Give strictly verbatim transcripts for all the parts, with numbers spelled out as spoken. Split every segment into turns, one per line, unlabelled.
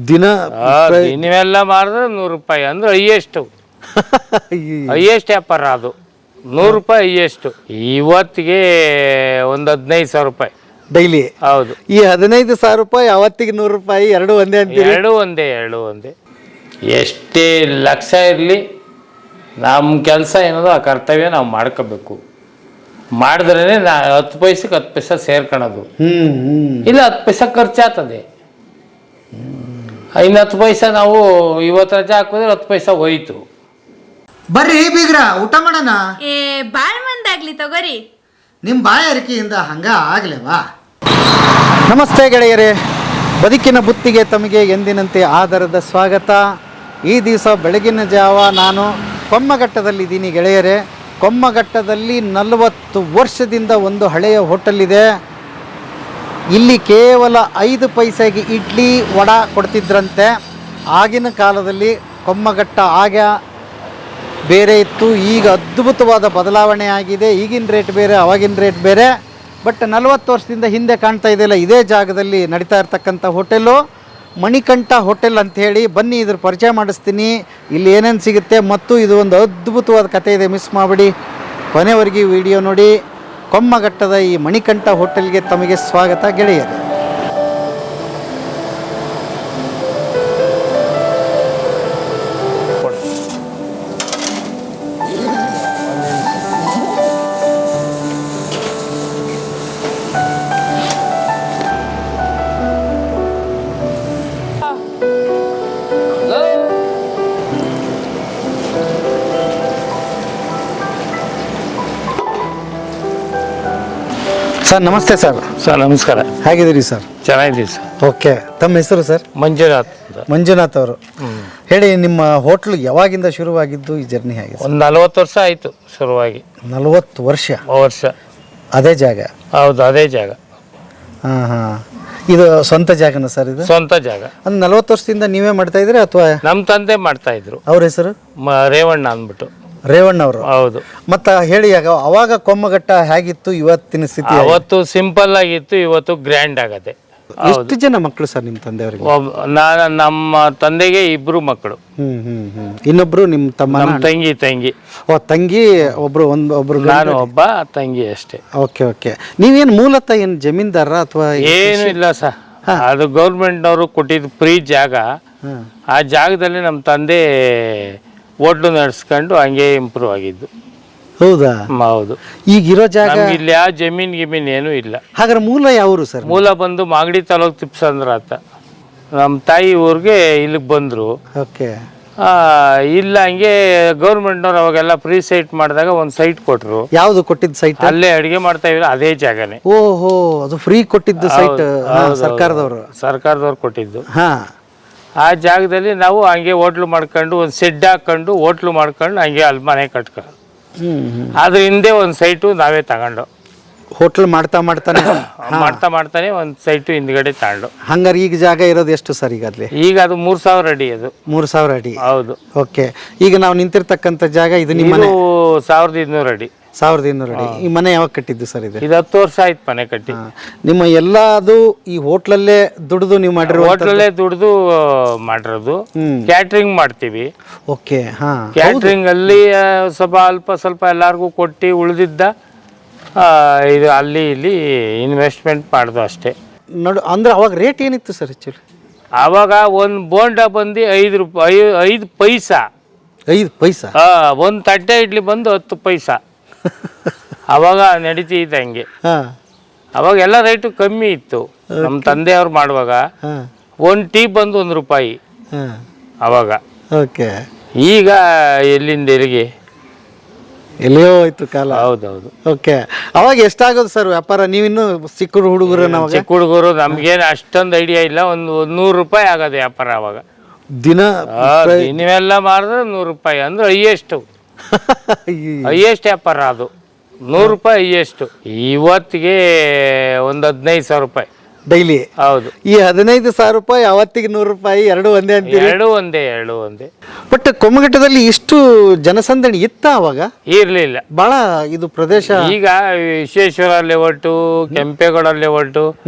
ದಿನ
ದಿನವೆಲ್ಲ ಮಾರಿದ್ರೆ ನೂರು ರೂಪಾಯಿ ಅಂದ್ರೆ ಹೈಯೆಸ್ಟ್ ಹೈಯೆಸ್ಟ್ ವ್ಯಾಪಾರ ಅದು. ನೂರು ರೂಪಾಯಿ ಹೈಯೆಸ್ಟ್. ಇವತ್ತಿಗೆ ಒಂದು ಹದಿನೈದು ಸಾವಿರ ರೂಪಾಯಿ
ಡೈಲಿ.
ಹೌದು.
ಈ ಹದಿನೈದು ಸಾವಿರ ರೂಪಾಯಿ ಅವತ್ತಿಗೆ ನೂರು ರೂಪಾಯಿ ಎರಡು ಒಂದೇ ಅಂತೀರಿ?
ಎರಡು ಒಂದೇ ಎರಡು ಒಂದೇ. ಎಷ್ಟೇ ಲಕ್ಷ ಇರಲಿ ನಮ್ಮ ಕೆಲಸ ಏನದು ಆ ಕರ್ತವ್ಯ ನಾವು ಮಾಡ್ಕೋಬೇಕು. ಮಾಡಿದ್ರೇ ನಾ ಹತ್ತು ಪೈಸಕ್ಕೆ ಹತ್ತು ಪೈಸೆ ಸೇರ್ಕೊಳೋದು. ಇಲ್ಲ ಹತ್ತು ಪೈಸೆ ಖರ್ಚಾಗ್ತದೆ. ಇನ್ನು ಹತ್ತು ಪೈಸೆ ನಾವು ಇವತ್ತು ರಜೆ ಹಾಕಿದ್ರೆ ಹತ್ತು ಪೈಸೆ ಹೋಯ್ತು.
ಬರ್ರಿ ಬೀಗ್ರ ಊಟ ಮಾಡೋಣ.
ಏ ಬಾಳ್ ಮಂದಾಗ್ಲಿ ತಗೋರಿ.
ನಿಮ್ಮ ಬಾಯ ಅರಿಕೆಯಿಂದ ಹಂಗ ಆಗ್ಲೇವಾ? ನಮಸ್ತೆ ಗೆಳೆಯರೇ, ಬದುಕಿನ ಬುತ್ತಿಗೆ ತಮಗೆ ಎಂದಿನಂತೆ ಆಧಾರದ ಸ್ವಾಗತ. ಈ ದಿವಸ ಬೆಳಗಿನ ಜಾವ ನಾನು ಕೊಮ್ಮಘಟ್ಟದಲ್ಲಿದ್ದೀನಿ ಗೆಳೆಯರೇ. ಕೊಮ್ಮಘಟ್ಟದಲ್ಲಿ ನಲವತ್ತು ವರ್ಷದಿಂದ ಒಂದು ಹಳೆಯ ಹೋಟೆಲ್ ಇದೆ. ಇಲ್ಲಿ ಕೇವಲ ಐದು ಪೈಸೆಗೆ ಇಡ್ಲಿ ವಡ ಕೊಡ್ತಿದ್ರಂತೆ. ಆಗಿನ ಕಾಲದಲ್ಲಿ ಕೊಮ್ಮಘಟ್ಟ ಆಗ ಬೇರೆ ಇತ್ತು, ಈಗ ಅದ್ಭುತವಾದ ಬದಲಾವಣೆ ಆಗಿದೆ. ಈಗಿನ ರೇಟ್ ಬೇರೆ, ಅವಾಗಿನ ರೇಟ್ ಬೇರೆ. ಬಟ್ ನಲವತ್ತು ವರ್ಷದಿಂದ ಹಿಂದೆ ಕಾಣ್ತಾ ಇದೆಯಲ್ಲ, ಇದೇ ಜಾಗದಲ್ಲಿ ನಡೀತಾ ಇರ್ತಕ್ಕಂಥ ಹೋಟೆಲು ಮಣಿಕಂಠ ಹೋಟೆಲ್ ಅಂಥೇಳಿ. ಬನ್ನಿ ಇದ್ರ ಪರಿಚಯ ಮಾಡಿಸ್ತೀನಿ, ಇಲ್ಲಿ ಏನೇನು ಸಿಗುತ್ತೆ ಮತ್ತು ಇದು ಒಂದು ಅದ್ಭುತವಾದ ಕಥೆ ಇದೆ. ಮಿಸ್ ಮಾಡಿಬಿಡಿ, ಕೊನೆವರೆಗೆ ವಿಡಿಯೋ ನೋಡಿ. ಕೊಮ್ಮಘಟ್ಟದ ಈ ಮಣಿಕಂಠ ಹೋಟೆಲ್ಗೆ ತಮಗೆ ಸ್ವಾಗತ ಗೆಳೆಯರು. ಸರ್ ನಮಸ್ತೆ. ಸರ್
ಸರ್ ನಮಸ್ಕಾರ.
ಹೇಗಿದ್ದೀರಿ ಸರ್?
ಚೆನ್ನಾಗಿದ್ದೀವಿ ಸರ್.
ಓಕೆ, ತಮ್ಮ ಹೆಸರು ಸರ್?
ಮಂಜುನಾಥ್.
ಮಂಜುನಾಥ್ ಅವರು. ಹೇಳಿ, ನಿಮ್ಮ ಹೋಟ್ಲು ಯಾವಾಗಿಂದ ಶುರುವಾಗಿದ್ದು, ಈ ಜರ್ನಿ ಹೇಗೆ?
ಒಂದು ನಲ್ವತ್ತು ವರ್ಷ ಆಯಿತು ಶುರುವಾಗಿ.
ನಲ್ವತ್ತು ವರ್ಷ
ವರ್ಷ
ಅದೇ ಜಾಗ?
ಹೌದು, ಅದೇ ಜಾಗ.
ಹಾಂ ಹಾಂ. ಇದು ಸ್ವಂತ ಜಾಗನ ಸರ್? ಇದು ಸ್ವಂತ
ಜಾಗ.
ಒಂದು ನಲ್ವತ್ತು ವರ್ಷದಿಂದ ನೀವೇ ಮಾಡ್ತಾ ಇದ್ರಿ ಅಥವಾ
ನಮ್ಮ ತಂದೆ ಮಾಡ್ತಾ ಇದ್ರು?
ಅವ್ರ ಹೆಸರು
ರೇವಣ್ಣ ಅಂದ್ಬಿಟ್ಟು.
ರೇವಣ್ಣ ಅವರು?
ಹೌದು.
ಮತ್ತ ಹೇಳಿ, ಆಗ ಅವಾಗ ಕೊಮ್ಮಘಟ್ಟ ಹೇಗಿತ್ತು, ಇವತ್ತಿನ ಸ್ಥಿತಿ?
ಅವತ್ತು ಸಿಂಪಲ್ ಆಗಿತ್ತು, ಇವತ್ತು ಗ್ರ್ಯಾಂಡ್ ಆಗತ್ತೆ.
ಎಷ್ಟು ಜನ ಮಕ್ಕಳು ಸರ್ ನಿಮ್ಮ ತಂದೆಯವರಿಗೆ?
ನಾನು ನಮ್ಮ ತಂದೆಗೆ ಇಬ್ರು ಮಕ್ಕಳು.
ಹ್ಮ್ ಹ್ಮ್ ಹ್ಮ್. ಇನ್ನೊಬ್ರು ನಿಮ್ಮ ತಮ್ಮ?
ನಮ್ಮ ತಂಗಿ ತಂಗಿ
ಓ, ತಂಗಿ ಒಬ್ರು, ಒಂದು ಒಬ್ರು.
ನಾನು ಒಬ್ಬ, ತಂಗಿ ಅಷ್ಟೇ.
Okay okay. ನೀವೇನು ಮೂಲತಃ ಏನು ಜಮೀನ್ದಾರ ಅಥವಾ
ಏನು ಇಲ್ಲ ಸರ್, ಅದು ಗೌರ್ಮೆಂಟ್ನವರು ಕೊಟ್ಟಿದ್ದು ಫ್ರೀ ಜಾಗ. ಆ ಜಾಗದಲ್ಲಿ ನಮ್ಮ ತಂದೆ ಹೋಟ್ಲು ನಡೆಸ್ಕೊಂಡು ಹಂಗೆ ಇಂಪ್ರೂವ್ ಆಗಿದ್ದು.
ಹೌದಾ?
ಹೌದು.
ಈಗಿರೋ ಜಾಗ
ಇಲ್ಲಿ ಯಾವ ಜಮೀನ್ ಗಿಮೀನ್ ಏನೂ ಇಲ್ಲ.
ಹಾಗಾದ್ರೆ ಮೂಲ ಯಾವರು ಸರ್?
ಮೂಲ ಬಂದು ಮಾಗಡಿ ತಾಲೂಕು ತಿಪ್ಪಸಂದ್ರ ಅಂತ. ನಮ್ಮ ತಾಯಿ ಊರಿಗೆ ಇಲ್ಲಿಗೆ ಬಂದರು.
ಓಕೆ.
ಇಲ್ಲ ಹಂಗೆ ಗೌರ್ಮೆಂಟ್ನವ್ರು ಅವಾಗೆಲ್ಲ ಫ್ರೀ ಸೈಟ್ ಮಾಡಿದಾಗ ಒಂದು ಸೈಟ್ ಕೊಟ್ಟರು.
ಯಾವುದು ಕೊಟ್ಟಿದ್ದು ಸೈಟ್?
ಅಲ್ಲೇ ಅಡುಗೆ ಮಾಡ್ತಾ ಇದ್ರು, ಅದೇ ಜಾಗನೇ.
ಓಹೋ, ಅದು ಫ್ರೀ ಕೊಟ್ಟಿದ್ದು ಸೈಟ್ ಸರ್ಕಾರದವರು?
ಸರ್ಕಾರದವ್ರು ಕೊಟ್ಟಿದ್ದು.
ಹಾ.
ಆ ಜಾಗದಲ್ಲಿ ನಾವು ಹಂಗೆ ಹೋಟ್ಲು ಮಾಡ್ಕೊಂಡು ಒಂದು ಸೆಡ್ ಹಾಕೊಂಡು ಹೋಟ್ಲು ಮಾಡ್ಕೊಂಡು ಹಂಗೆ ಅಲ್ಲಿ ಮನೆ ಕಟ್ಕೊಂಡು, ಅದ್ರ ಹಿಂದೆ ಒಂದು ಸೈಟು ನಾವೇ ತಗೊಂಡು
ಹೋಟ್ಲ್ ಮಾಡ್ತಾ ಮಾಡ್ತಾನೆ
ಮಾಡ್ತಾ ಮಾಡ್ತಾನೆ ಒಂದು ಸೈಟು ಹಿಂದ್ಗಡೆ ತಗೊಂಡು.
ಹಂಗಾರೆ ಈಗ ಜಾಗ ಇರೋದು ಎಷ್ಟು ಸರ್ ಈಗ? ಅಲ್ಲಿ
ಈಗ ಅದು ಮೂರ್ ಸಾವಿರ ಅಡಿ. ಅದು
ಮೂರ್ ಸಾವಿರ ಅಡಿ?
ಹೌದು.
ಓಕೆ. ಈಗ ನಾವು ನಿಂತಿರ್ತಕ್ಕಂಥ ಜಾಗ ಇದು ನಿಮ್ಮ ಮನೆ?
ಸಾವಿರದ ಇನ್ನೂರು ಅಡಿ.
ಸಾವಿರದ ಇನ್ನೂರು ಅಡಿ. ಈ ಮನೆ ಯಾವಾಗ ಕಟ್ಟಿದ್ದು ಸರ್? ಇದು
ಇದು ಹತ್ತು ವರ್ಷ ಆಯ್ತು ಮನೆ ಕಟ್ಟಿ.
ನಿಮ್ಮ ಎಲ್ಲ ಅದು ಈ ಹೋಟ್ಲಲ್ಲೇ ದುಡಿದು ನೀವು ಮಾಡಿರೋ?
ಹೋಟ್ಲಲ್ಲೇ ದುಡಿದು ಮಾಡಿರೋದು. ಕ್ಯಾಟ್ರಿಂಗ್ ಮಾಡ್ತೀವಿ.
ಓಕೆ. ಹಾ.
ಕ್ಯಾಟ್ರಿಂಗ್ ಅಲ್ಲಿ ಸ್ವಲ್ಪ ಅಲ್ಪ ಸ್ವಲ್ಪ ಎಲ್ಲಾರ್ಗು ಕೊಟ್ಟು ಉಳಿದಿದ್ದ ಇದು ಅಲ್ಲಿ ಇಲ್ಲಿ ಇನ್ವೆಸ್ಟ್ಮೆಂಟ್ ಮಾಡ್ದು ಅಷ್ಟೇ.
ನೋಡು, ಅಂದ್ರೆ ಅವಾಗ ರೇಟ್ ಏನಿತ್ತು ಸರ್ ಆ್ಯಕ್ಚುಲಿ?
ಆವಾಗ ಒಂದು ಬೋಂಡ ಬಂದು ಐದು ರೂಪಾಯಿ, ಐದು ಪೈಸಾ.
ಐದು ಪೈಸಾ?
ಒಂದು ತಟ್ಟೆ ಇಡ್ಲಿ ಬಂದು ಹತ್ತು ಪೈಸಾ. ಅವಾಗ ನಡೀತಿತ್ತು ಹಂಗೆ. ಅವಾಗ ಎಲ್ಲ ರೇಟು ಕಮ್ಮಿ ಇತ್ತು. ನಮ್ಮ ತಂದೆಯವ್ರು ಮಾಡುವಾಗ ಒಂದು ಟೀ ಬಂದು ಒಂದು ರೂಪಾಯಿ ಅವಾಗ.
ಓಕೆ.
ಈಗ ಎಲ್ಲಿಂದ ಎಲ್ಲಿಗೆ
ಎಲ್ಲಿಯೋ ಹೋಯ್ತು ಕಾಲ.
ಹೌದೌದು.
ಓಕೆ. ಅವಾಗ ಎಷ್ಟಾಗೋದು ಸರ್ ವ್ಯಾಪಾರ? ನೀವಿನ್ನು ಚಿಕ್ಕ ಹುಡುಗರು? ನಾವು
ಚಿಕ್ಕ ಹುಡುಗರು, ನಮ್ಗೇನು ಅಷ್ಟೊಂದು ಐಡಿಯಾ ಇಲ್ಲ. ಒಂದು ನೂರು ರೂಪಾಯಿ ಆಗೋದು ವ್ಯಾಪಾರ ಅವಾಗ.
ದಿನ
ನೀವೆಲ್ಲ ಮಾರಿದ್ರೆ ನೂರು ರೂಪಾಯಿ ಅಂದ್ರೆ ಹೈಯೆಸ್ಟ್ ಹೈಯೆಸ್ಟ್ ವ್ಯಾಪಾರ ಅದು. ನೂರು ರೂಪಾಯಿ ಹೈಯೆಸ್ಟ್. ಇವತ್ತಿಗೆ ಒಂದು ಹದಿನೈದು ಸಾವಿರ ರೂಪಾಯಿ
ಡೈಲಿ?
ಹೌದು.
ಈ ಹದಿನೈದು ಸಾವಿರ ರೂಪಾಯಿ ಅವತ್ತಿಗೆ ನೂರು ರೂಪಾಯಿ ಎರಡು ಒಂದೇ ಅಂತೀರಿ?
ಎರಡು ಒಂದೇ ಎರಡು ಒಂದೇ.
ಬಟ್ ಕೊಮ್ಮಘಟ್ಟದಲ್ಲಿ ಇಷ್ಟು ಜನಸಂದಣಿ ಇತ್ತ ಅವಾಗ?
ಇರ್ಲಿಲ್ಲ.
ಬಹಳ ಇದು ಪ್ರದೇಶ.
ಈಗ ವಿಶ್ವೇಶ್ವರ ಲೇಔಟು, ಕೆಂಪೇಗೌಡ ಲೇಔಟು,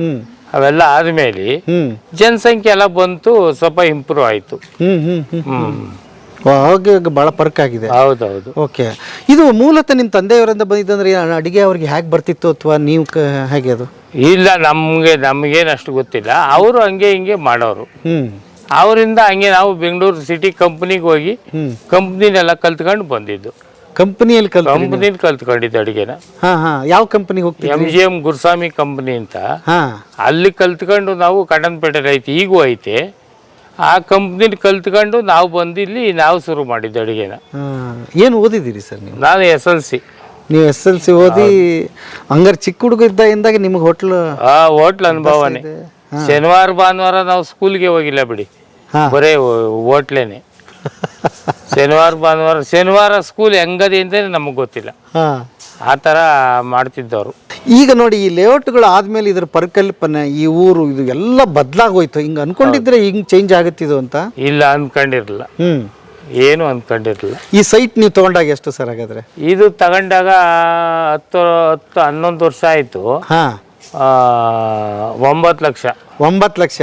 ಅವೆಲ್ಲ ಆದಮೇಲೆ
ಹ್ಮ್
ಜನಸಂಖ್ಯೆ ಎಲ್ಲ ಬಂತು, ಸ್ವಲ್ಪ ಇಂಪ್ರೂವ್ ಆಯಿತು.
ಹ್ಮ್ ಹ್ಮ್ ಹ್ಮ್
ಹ್ಮ್
ಹಾಗೆ ಭಾಳ ಫರ್ಕ್ ಆಗಿದೆ.
ಹೌದೌದು.
ಓಕೆ, ಇದು ಮೂಲತಃ ನಿಮ್ಮ ತಂದೆಯವರಿಂದ ಬಂದಿದ್ದಂದ್ರೆ ಅಡುಗೆ ಅವ್ರಿಗೆ ಹೇಗೆ ಬರ್ತಿತ್ತು ಅಥವಾ ನೀವು ಕ ಹೇಗೆ ಅದು?
ಇಲ್ಲ, ನಮಗೆ ನಮಗೇನು ಅಷ್ಟು ಗೊತ್ತಿಲ್ಲ. ಅವರು ಹಂಗೆ ಹಿಂಗೆ ಮಾಡೋರು.
ಹ್ಮ್
ಅವರಿಂದ ಹಂಗೆ ನಾವು ಬೆಂಗಳೂರು ಸಿಟಿ ಕಂಪ್ನಿಗೆ ಹೋಗಿ
ಹ್ಮ್
ಕಂಪ್ನಿನೆಲ್ಲ ಕಲ್ತ್ಕೊಂಡು ಬಂದಿದ್ದು.
ಕಂಪನಿಯಲ್ಲಿ ಕಲ್
ಕಂಪ್ನಿಲಿ ಕಲ್ತ್ಕೊಂಡಿದ್ದು ಅಡುಗೆನ.
ಹಾ ಹಾ ಯಾವ ಕಂಪನಿಗೆ ಹೋಗ್ತೀವಿ?
M G M Guruswamy company ಅಂತ,
ಹಾ
ಅಲ್ಲಿ ಕಲ್ತ್ಕೊಂಡು ನಾವು ಕಡನ್ಪೇಟೆಲಿ ಐತಿ, ಈಗೂ ಐತೆ. ಆ ಕಂಪ್ನಿಲಿ ಕಲ್ತ್ಕೊಂಡು ನಾವು ಬಂದು ಇಲ್ಲಿ ನಾವು ಶುರು ಮಾಡಿದ್ದು ಅಡುಗೆನ.
ಏನು ಓದಿದ್ದೀರಿ ಸರ್ ನೀವು?
ನಾನು ಎಸ್ ಎಲ್ ಸಿ.
ನೀವು ಎಸ್ ಎಲ್ ಸಿ ಓದಿ ಹಂಗಾರೆ ಚಿಕ್ಕ ಹುಡುಗ ಇದ್ದಾಗಿಂದಾಗ ನಿಮಗೆ ಹೋಟ್ಲು?
ಆ ಹೋಟ್ಲ್ ಅನುಭವನೇ. ಶನಿವಾರ ಭಾನುವಾರ ನಾವು ಸ್ಕೂಲ್ಗೆ ಹೋಗಿಲ್ಲ ಬಿಡಿ, ಬರೇ ಹೋಟ್ಲೇನೆ. ಶನಿವಾರ ಭಾನುವಾರ ಶನಿವಾರ ಸ್ಕೂಲ್ ಹೆಂಗದೆ ಅಂತ ನಮಗೆ ಗೊತ್ತಿಲ್ಲ, ಆ ಥರ ಮಾಡ್ತಿದ್ದವರು.
ಈಗ ನೋಡಿ, ಈ ಲೇಔಟ್ಗಳು ಆದ್ಮೇಲೆ ಇದ್ರ ಪರಿಕಲ್ಪನೆ, ಈ ಊರು ಇದು ಎಲ್ಲ ಬದಲಾಗೋಯ್ತು. ಹಿಂಗೆ ಅನ್ಕೊಂಡಿದ್ರೆ ಹಿಂಗೆ ಚೇಂಜ್ ಆಗುತ್ತಿದ್ದು ಅಂತ?
ಇಲ್ಲ, ಅನ್ಕೊಂಡಿರಲಿಲ್ಲ.
ಹ್ಮ್
ಏನು ಅನ್ಕೊಂಡಿರಲಿಲ್ಲ.
ಈ ಸೈಟ್ ನೀವು ತಗೊಂಡಾಗ ಎಷ್ಟು ಸರ್ ಹಾಗಾದ್ರೆ?
ಇದು ತಗೊಂಡಾಗ ಹತ್ತು ಹತ್ತು ಹನ್ನೊಂದು ವರ್ಷ ಆಯಿತು.
ಹಾ,
ಒಂಬತ್ತು ಲಕ್ಷ.
ಒಂಬತ್ತು ಲಕ್ಷ.